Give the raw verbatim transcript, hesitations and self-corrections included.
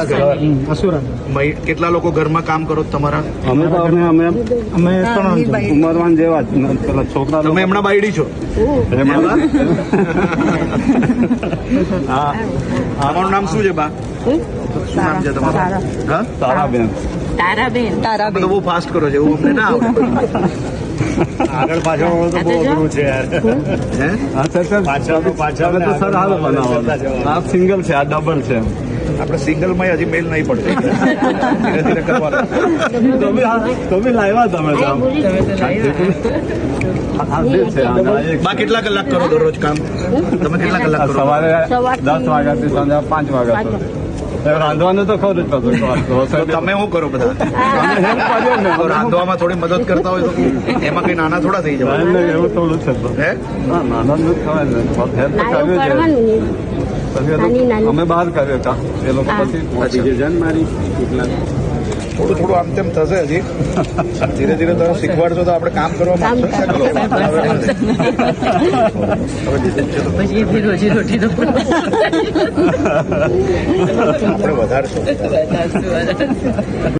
કયા ઘર અસુરા. કેટલા લોકો ઘરમાં કામ કરો તમારા? અમે તો અમે અમે અમે ત્રણ જણ. ઉંમરવાન જેવા જ પેલા છોકરા તમે હમણાં બાયડી છો? હા તમારું નામ શું છે બા? શું નામ છે તમારું? હા તારાબેન. તારાબેન. તમે તો બહુ ફાસ્ટ કરો છો, એવું અમને ના આવડે. આગળ પાછળ તો બહુ અઘરું છે યાર. હે અચ્છા સર પાછળ પાછળ તો સર હાલ બનાવો. આ સિંગલ છે, આ ડબલ છે. આપણે સિંગલમાં હજી મેલ નહીં પડતો, ધીરે ધીરે કરવાનું. તો બી આ- તો બી લાવ્યા તમે તો આમ. આ બે છે આ એક બા કેટલા કલાક કરો દરરોજ કામ? તમે કેટલા કલાક કરો? સવારે દસ વાગ્યાથી સાંજે પાંચ વાગ્યા સુધી. એ રાંધવાનું તો ખરું જ પાછું. તો તમે શું કરો બધા? તો રાંધવામાં થોડી મદદ કરતા હોય તો એમાં કઈ નાના થોડા થઈ જવાય. એવું થોડું છે તો. હે ના નાના જ ખવાય ને. હેલ્પ તો કરવી છે. પછી એ લોકો- અમે બહાર કર્યો કામ, એ લોકો પછી પહોંચી ગયા. જન મારી થોડું થોડું આમ તેમ થશે હજી. ધીરે ધીરે તમે શીખવાડશો તો આપણે કામ કરવા માંગશો. પછી એથી રોજી રોટી તો આપણે વધારશું.